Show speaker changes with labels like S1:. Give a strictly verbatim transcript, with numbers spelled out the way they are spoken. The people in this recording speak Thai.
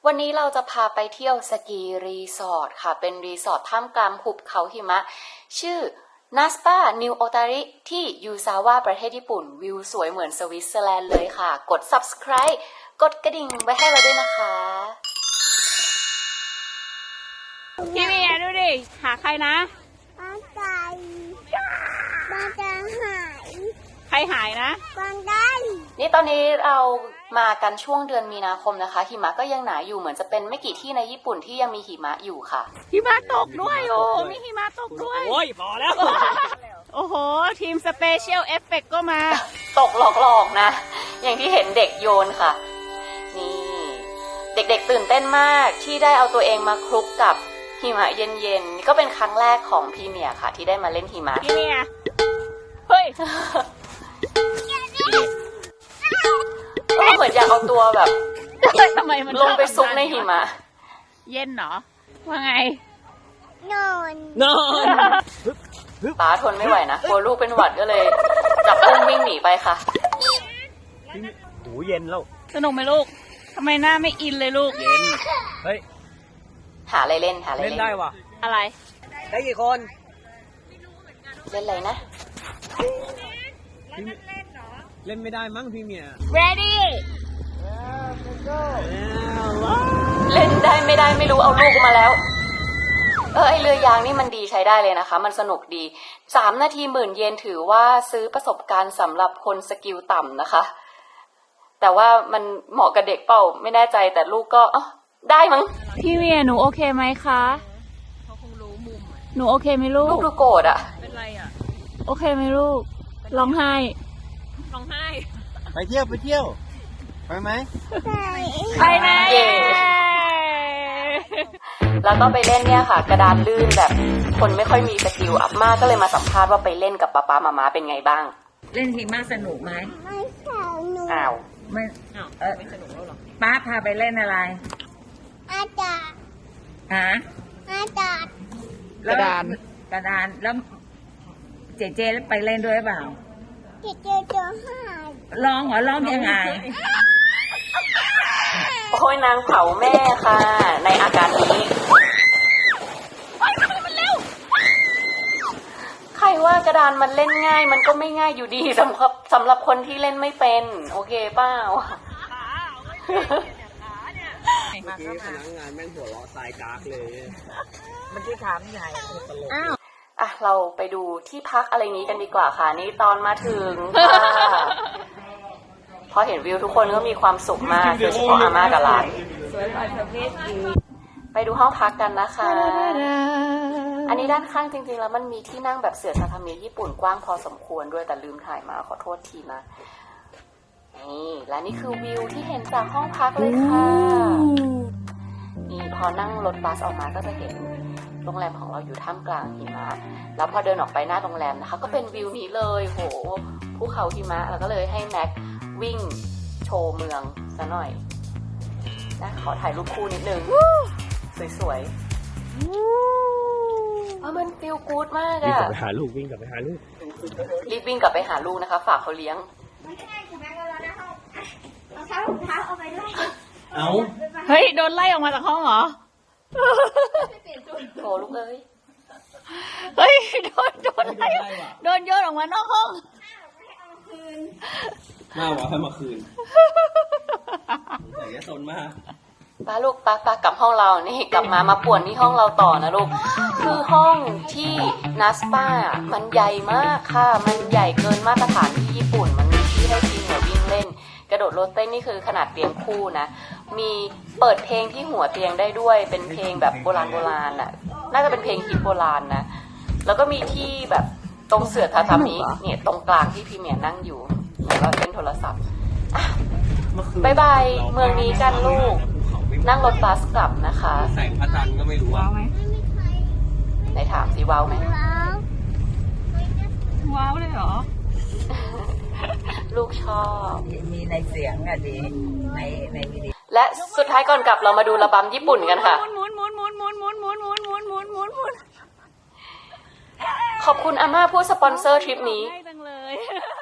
S1: วันนี้เราจะพาไปเที่ยวสกีรีสอร์ทค่ะเป็นรีสอร์ทท่ามกลางหุบเขาหิมะชื่อนัสปานิวโอตาริที่ยูซาวะประเทศญี่ปุ่นวิวสวยเหมือนสวิตเซอร์แลนด์เลยค่ะกด ซับสไครบ์ กดกระดิ่งไว้ให้เราด้วยนะคะ
S2: พี่เมียดูดิหาใครนะ
S3: ปลาใจปลาจะหาย
S2: ใครหายนะ
S3: ปลาได้
S1: นี่ตอนนี้เรามากันช่วงเดือนมีนาคมนะคะหิมะก็ยังหนาอยู่เหมือนจะเป็นไม่กี่ที่ในญี่ปุ่นที่ยังมีหิมะอยู่ค่ะ
S2: หิมะตกด้วยโอ้มีหิมะตกด้วย
S4: โอ้ยพอแล้ว
S2: โอ้โหทีมสเปเชียลเอฟเฟกต์ก็มา
S1: ตกหลอกๆนะอย่างที่เห็นเด็กโยนค่ะนี่เด็กๆตื่นเต้นมากที่ได้เอาตัวเองมาคลุกกับหิมะเย็นๆนี่ก็เป็นครั้งแรกของพี่เมียค่ะที่ได้มาเล่นหิมะ
S2: พี่เมียเฮ้ย
S1: ก็เหมือนอยากเอาตัวแบบ
S2: ทำไมมัน
S1: ลงไปซุกในหิมะ
S2: เย็นเหรอว่าไง
S3: นอน
S4: นอน
S1: ป้าทนไม่ไหวนะกลัวลูกเป็นหวัดก็เลยจับอุ้มวิ่งหนีไปค่ะ
S4: โอ้เย็นแล้ว
S2: สนุกไหมลูกทำไมหน้าไม่อินเลยลูก
S4: เย็นเฮ้ย
S1: หาอะไรเล่นหาอะไร
S4: เล่นได้ว่ะ
S2: อะไร
S4: ได้กี่คน
S1: เล่นอะไรนะ
S4: เล่นไม่ได้มั้งพี่เมีย
S2: ready
S1: เล่นได้ไม่ได้ไม่รู้เอาลูกมาแล้วเออไอเรือยางนี่มันดีใช้ได้เลยนะคะมันสนุกดีสามนาทีหมื่นเยนถือว่าซื้อประสบการณ์สำหรับคนสกิลต่ำนะคะแต่ว่ามันเหมาะกับเด็กเปล่าไม่แน่ใจแต่ลูกก็อ๋อได้มั้ง
S2: พี่เมียหนูโอเคไหมคะเขาคงรู้มุมหนูโอเคไหมลูก
S1: ลูกดูโกรธอ่ะ
S2: เป็นไรอ่ะโอเคไหมลูกร้องไห้ร้องไห้
S4: ไปเที่ยวไปเที่ยวไปไหม
S3: ไป
S2: ไปไหน
S1: แล้วก็ไปเล่นเนี่ยค่ะกระดานลื่นแบบคนไม่ค่อยมีสกิลอัพมากก็เลยมาสัมภาษณ์ว่าไปเล่นกับป๊าป๊ามาม่าเป็นไงบ้าง
S5: เล่นหิมะสนุกไหม
S3: ไม่สนุก
S1: อ้าว
S5: ไม่เออไม่สนุกแล้วหรอป้าพาไปเล่นอะไร
S3: อาจารย์
S5: ฮะ
S3: อาจารย์
S2: กระดาน
S5: กระดานแล้วเจเจแล้วไปเล่นด้วยเปล่า
S3: เจเจจะหาย
S5: ร้องเหรอร้องยังไง
S1: โอ้ยนางเผาแม่ค่ะในอาการนี้ใครว่ากระดานมันเล่นง่ายมันก็ไม่ง่ายอยู่ดีสำหรับสำหรับคนที่เล่นไม่เป็นโอเคเปล่า
S4: เมื่อกี้พนักงานแม่งหัวเราะตายกากเลย
S5: เมื่อกี้ถามใหญ่
S1: อ้าวอ่ะเราไปดูที่พักอะไรนี้กันดีกว่าค่ะนี่ตอนมาถึงค่ะพอเห็นวิวทุกคนก็มีความสุขมากโดยเฉพาะอาม่ากับหลานไปดูห้องพักกันนะคะอันนี้ด้านข้างจริงๆแล้วมันมีที่นั่งแบบเสื่อทาทามิญี่ปุ่นกว้างพอสมควรด้วยแต่ลืมถ่ายมาขอโทษทีนะนี่และนี่คือวิวที่เห็นจากห้องพักเลยค่ะนี่พอนั่งรถบัสออกมาก็จะเห็นโรงแรมของเราอยู่ท่ามกลางหิมะแล้วพอเดินออกไปหน้าโรงแรมนะคะก็เป็นวิวนี้เลยโหภูเขาหิมะแล้วก็เลยให้แม็กวิ่งโชว์เมืองซะหน่อยนะขอถ่ายรูปคู่นิดนึงสวยๆเพราะมันฟีลกู๊ดมากอะ
S4: วิ่งกลับไปหาลูกวิ่งกลับไปหาลูก
S1: รีบวิ่งกลับไปหาลูกนะคะฝากเขาเลี้ยง
S4: เอา
S2: เฮ้ยโดนไล่ออกมาจากห้องเหรอ
S1: โถลูกเอ้ย
S2: เฮ้ยโดนโดนไล่โดนโยนออกมานอกห้อง
S4: มาวะให้มาคืนใส่ยาซนมาก
S1: ป้าลูกป้าป้ากลับห้องเรานี่กลับมามาป่วนที่ห้องเราต่อนะลูกคือห้องที่นัสปามันใหญ่มากค่ะมันใหญ่เกินมาตรฐานที่ญี่ปุ่นมันมีที่ให้ทีมหัววิ่งเล่นกระโดดโลดเต้นนี่คือขนาดเตียงคู่นะมีเปิดเพลงที่หัวเตียงได้ด้วยเป็นเพลงแบบโบราณโบราณน่ะน่าจะเป็นเพลงฮิตโบราณนะแล้วก็มีที่แบบตรงเสื่อทาทามิเนี่ยตรงกลางที่พี่เมียนั่งอยู่แล้วก็เล่นโทรศัพท์บายบายเมืองนี้กันลูกนั่งรถบัสกลับนะคะ
S4: แสงพระจันทร์ก็ไม่รู้
S2: ว้าวไหม
S1: ไหนถามสิว้าวไหม
S2: ว้าวเลยเหรอ
S1: ลูกชอบ
S5: มีในเสียงอะดีในในวิดีโอ
S1: และสุดท้ายก่อนกลับเรามาดูระบำญี่ปุ่นกันค่ะขอบคุณอาม่าผู้สปอนเซอร์ทริปนี้